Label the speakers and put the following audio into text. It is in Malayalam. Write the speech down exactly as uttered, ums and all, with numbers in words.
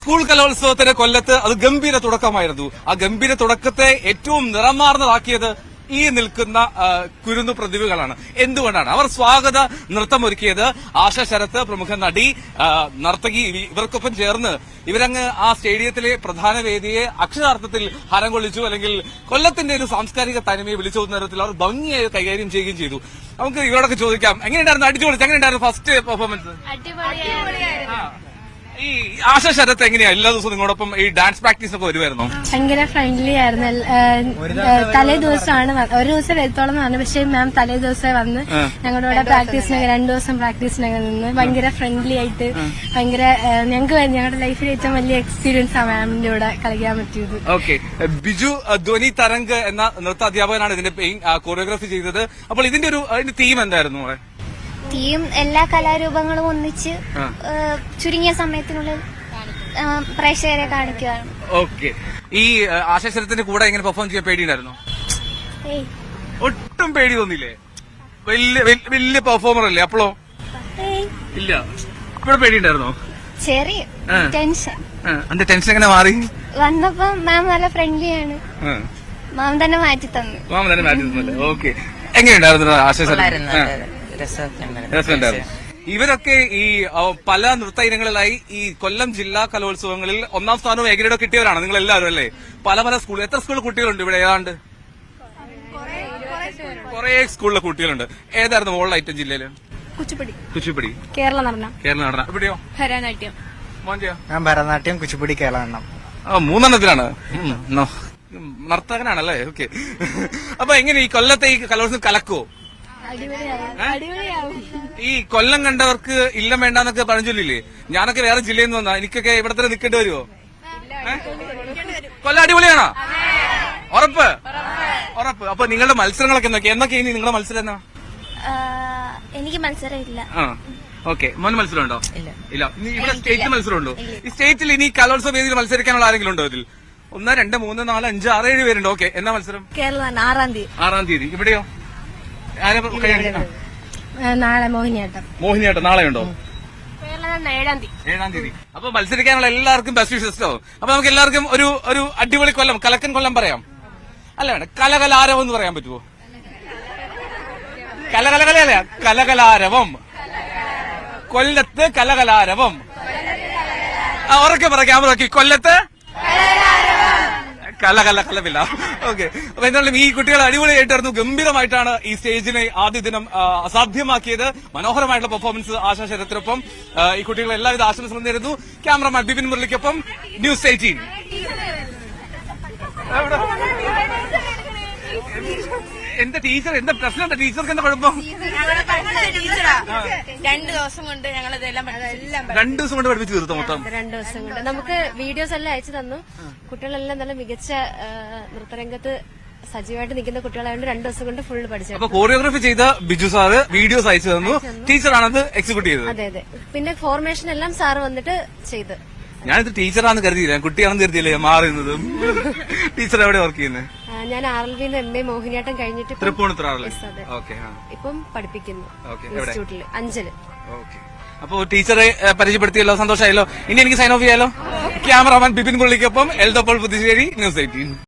Speaker 1: സ്കൂൾ കലോത്സവത്തിന് കൊല്ലത്ത് അത് ഗംഭീര തുടക്കമായിരുന്നു. ആ ഗംഭീര തുടക്കത്തെ ഏറ്റവും നിറമാർന്നതാക്കിയത് ഈ നിൽക്കുന്ന കുരുന്നു പ്രതിഭകളാണ്. എന്തുകൊണ്ടാണ് അവർ സ്വാഗത നൃത്തമൊരുക്കിയത്? ആശ ശരത്ത്, പ്രമുഖ നടി, നർത്തകി, ഇവർക്കൊപ്പം ചേർന്ന് ഇവരങ്ങ് ആ സ്റ്റേഡിയത്തിലെ പ്രധാന വേദിയെ അക്ഷരാർത്ഥത്തിൽ ഹരം കൊള്ളിച്ചു. അല്ലെങ്കിൽ കൊല്ലത്തിന്റെ ഒരു സാംസ്കാരിക തനിമയെ വിളിച്ചു തരത്തിൽ അവർ ഭംഗിയായി കൈകാര്യം ചെയ്യുകയും ചെയ്തു. നമുക്ക് ഇവരോടൊക്കെ ചോദിക്കാം, എങ്ങനെയുണ്ടായിരുന്നു? അടിച്ചു പൊളിച്ചു. എങ്ങനെയുണ്ടായിരുന്നു ഫസ്റ്റ് പെർഫോമൻസ്? ഈ ആശ ശരത്ത് എങ്ങനെയാ എല്ലാ ദിവസവും നിങ്ങളോടൊപ്പം ഈ ഡാൻസ് പ്രാക്ടീസ് ഒക്കെ വരുമായിരുന്നോ?
Speaker 2: ഭയങ്കര ഫ്രണ്ട്ലി ആയിരുന്നു. തലേ ദിവസമാണ് ഒരു ദിവസം എത്തോളം വന്നു, പക്ഷേ മാം തലേ ദിവസം വന്ന് ഞങ്ങളുടെ കൂടെ പ്രാക്ടീസിനൊക്കെ രണ്ടു ദിവസം പ്രാക്ടീസിനൊക്കെ നിന്ന് ഭയങ്കര ഫ്രണ്ട്ലി ആയിട്ട് ഭയങ്കര ഞങ്ങൾക്ക് ഞങ്ങളുടെ ലൈഫിൽ ഏറ്റവും വലിയ എക്സ്പീരിയൻസ് ആണ് മാമിന്റെ കൂടെ കളിക്കാൻ പറ്റിയത്.
Speaker 1: ഓക്കെ, ബിജു ധ്വനി തരംഗ് എന്ന നൃത്ത അധ്യാപകനാണ് ഇതിന്റെ കോറിയോഗ്രാഫി ചെയ്തത്. അപ്പോൾ ഇതിന്റെ ഒരു അതിന്റെ തീം എന്തായിരുന്നു?
Speaker 3: തീം എല്ലാ കലാരൂപങ്ങളും ഒന്നിച്ച് ചുരുങ്ങിയ സമയത്തിനുള്ളിൽ പ്രേക്ഷകരെ കാണിക്കുകയാണ്.
Speaker 1: ഓക്കെ, ഈ ആശാശരത്തിന്റെ കൂടെ എങ്ങനെ പെർഫോം ചെയ്യാൻ പേടിയുണ്ടായിരുന്നോ? ഒട്ടും പേടി തോന്നില്ലേ? വലിയ വലിയ പെർഫോമർ അല്ലേ അപ്പോഴോ? ഇല്ല, ഇപ്പോഴും പേടിയുണ്ടായിരുന്നോ?
Speaker 3: ചെറിയ ടെൻഷൻ.
Speaker 1: എന്റെ ടെൻഷൻ എങ്ങനെ മാറി?
Speaker 3: വന്നപ്പോ മാം നല്ല ഫ്രണ്ട്ലിയാണ്, മാം തന്നെ മാറ്റി തന്നു.
Speaker 1: മാം തന്നെ മാറ്റി തന്നല്ലേ? ഓക്കെ, എങ്ങനെയുണ്ടായിരുന്നു ആശാശരൻ? രസമുണ്ടായിരുന്നു. ഇവരൊക്കെ ഈ പല നൃത്ത ഇനങ്ങളിലായി ഈ കൊല്ലം ജില്ലാ കലോത്സവങ്ങളിൽ ഒന്നാം സ്ഥാനവും എഗ്രേഡോ കിട്ടിയവരാണ് നിങ്ങൾ എല്ലാവരും അല്ലേ? പല പല സ്കൂൾ എത്ര സ്കൂൾ കുട്ടികളുണ്ട് ഇവിടെ? ഏതാണ്ട് കുറെ സ്കൂളിലെ കുട്ടികളുണ്ട്. ഏതായിരുന്നു മോളുടെ ഐറ്റം ജില്ലയില്?
Speaker 2: കുച്ചിപ്പുടി.
Speaker 1: കുച്ചിപ്പുടി
Speaker 2: കേരള നടനം.
Speaker 1: കേരള നടനം. എവിടെയോ?
Speaker 2: ഭരതനാട്യം.
Speaker 4: ഞാൻ ഭരതനാട്യം, കുച്ചിപ്പുടി, കേരള നടനം.
Speaker 1: ആ, മൂന്നെണ്ണത്തിലാണ്. നർത്തകനാണല്ലേ? ഓക്കെ. അപ്പൊ എങ്ങനെ ഈ കൊല്ലത്തെ ഈ കലോത്സവം കലക്കുവോ? ഈ കൊല്ലം കണ്ടവർക്ക് ഇല്ലം വേണ്ടെന്നൊക്കെ പറഞ്ഞില്ലേ? ഞാനൊക്കെ വേറെ ജില്ലയിൽ നിന്ന് വന്നാ എനിക്കൊക്കെ ഇവിടെ തന്നെ നിൽക്കേണ്ടി വരുമോ? കൊല്ലം അടിപൊളിയാണോ? ഉറപ്പ്? ഉറപ്പ്. അപ്പൊ നിങ്ങളുടെ മത്സരങ്ങളൊക്കെ എന്തൊക്കെ എന്നൊക്കെ ഇനി നിങ്ങളുടെ മത്സരം എന്നാ?
Speaker 3: എനിക്ക് മത്സരം ഇല്ല.
Speaker 1: ആ, ഓക്കെ. മോന് മത്സരം ഉണ്ടോ? ഇല്ല. ഇവിടെ സ്റ്റേറ്റ് മത്സരം ഉണ്ടോ? ഈ സ്റ്റേറ്റിൽ ഇനി കലോത്സവ വേദിയിൽ മത്സരിക്കാനുള്ള ആരെങ്കിലും ഉണ്ടോ ഇതിൽ? ഒന്ന്, രണ്ട്, മൂന്ന്, നാല്, അഞ്ച്, ആറ്, ഏഴ് പേരുണ്ടോ? ഓക്കെ. എന്നാ മത്സരം?
Speaker 2: കേരള ആറാം തീയതി.
Speaker 1: ആറാം തീയതി. ഇവിടെയോ?
Speaker 2: നാളെ മോഹിനിയാട്ടം.
Speaker 1: മോഹിനിയാട്ടം നാളെ ഉണ്ടോ?
Speaker 2: ഏഴാം തീയതി.
Speaker 1: ഏഴാം തീയതി. അപ്പൊ മത്സരിക്കാനുള്ള എല്ലാവർക്കും ബെസ്റ്റ് വിഷസ്. അപ്പൊ നമുക്ക് എല്ലാവർക്കും ഒരു ഒരു അടിപൊളി കൊല്ലം, കലക്കൻ കൊല്ലം പറയാം. അല്ല വേണ്ട, കലകലാരവം എന്ന് പറയാൻ പറ്റുമോ? കലകലകലല്ല, കലകലാരവം. കൊല്ലത്ത് കലകലാരവം. ഉറക്കെ പറ, ക്യാമറ നോക്കി. കൊല്ലത്ത് കല കല കലമില്ല. ഓക്കെ. അപ്പൊ എന്തായാലും ഈ കുട്ടികൾ അടിപൊളിയായിട്ടായിരുന്നു, ഗംഭീരമായിട്ടാണ് ഈ സ്റ്റേജിനെ ആദ്യ ദിനം അസാധ്യമാക്കിയത്. മനോഹരമായിട്ടുള്ള പെർഫോമൻസ് ആശാ ശരത്തിനൊപ്പം ഈ കുട്ടികൾ എല്ലാവിധ ആശംസകളും നേരുന്നു. ക്യാമറമാൻ ബിപിൻ മുരളിക്കൊപ്പം ന്യൂസ് എയ്റ്റീൻ. എന്താ ടീച്ചർ, എന്താ പ്രശ്നം? എന്താ ടീച്ചർക്ക് എന്താ കുഴപ്പം?
Speaker 2: രണ്ടു ദിവസം കൊണ്ട് ഞങ്ങൾ ഇതെല്ലാം
Speaker 1: രണ്ടു ദിവസം കൊണ്ട് പഠിപ്പിച്ച് തീർത്തു മൊത്തം?
Speaker 2: രണ്ടു ദിവസം കൊണ്ട് നമുക്ക് വീഡിയോസ് എല്ലാം അയച്ചു തന്നു. കുട്ടികളെല്ലാം നല്ല മികച്ച നൃത്തരംഗത്ത് സജീവമായിട്ട് നിൽക്കുന്ന കുട്ടികളായതുകൊണ്ട് രണ്ടു ദിവസം കൊണ്ട് ഫുള്ള് പഠിച്ചു.
Speaker 1: അപ്പൊ കോറിയോഗ്രാഫി ചെയ്ത ബിജു സാറ് വീഡിയോസ് അയച്ചു തന്നു, ടീച്ചറാണത് എക്സിക്യൂട്ട് ചെയ്തത്.
Speaker 2: അതെ അതെ. പിന്നെ ഫോർമേഷൻ എല്ലാം സാറ് വന്നിട്ട് ചെയ്ത്.
Speaker 1: ഞാനിത് ടീച്ചറാണെന്ന് കരുതിയില്ല, കുട്ടിയാണെന്ന് കരുതിയില്ലേ മാറുന്നത്. ടീച്ചർ എവിടെ വർക്ക് ചെയ്യുന്നത്?
Speaker 2: ഞാൻ ആർ എൽ വിന്ന് എം എ മോഹിനിയാട്ടം കഴിഞ്ഞിട്ട്
Speaker 1: തൃപ്പൂണിത്തുറ
Speaker 2: ഇപ്പം പഠിപ്പിക്കുന്നു ഇൻസ്റ്റിറ്റ്യൂട്ടിൽ അഞ്ചല്.
Speaker 1: അപ്പൊ ടീച്ചറെ പരിചയപ്പെടുത്തിയല്ലോ, സന്തോഷമായല്ലോ. ഇനി എനിക്ക് സൈൻ ഓഫ് ചെയ്യാലോ. ക്യാമറാമാൻ ബിപിൻ മുരളിക്കൊപ്പം എൽദോപ്പോൾ പുതുശ്ശേരി, ന്യൂസ് എയ്റ്റീൻ.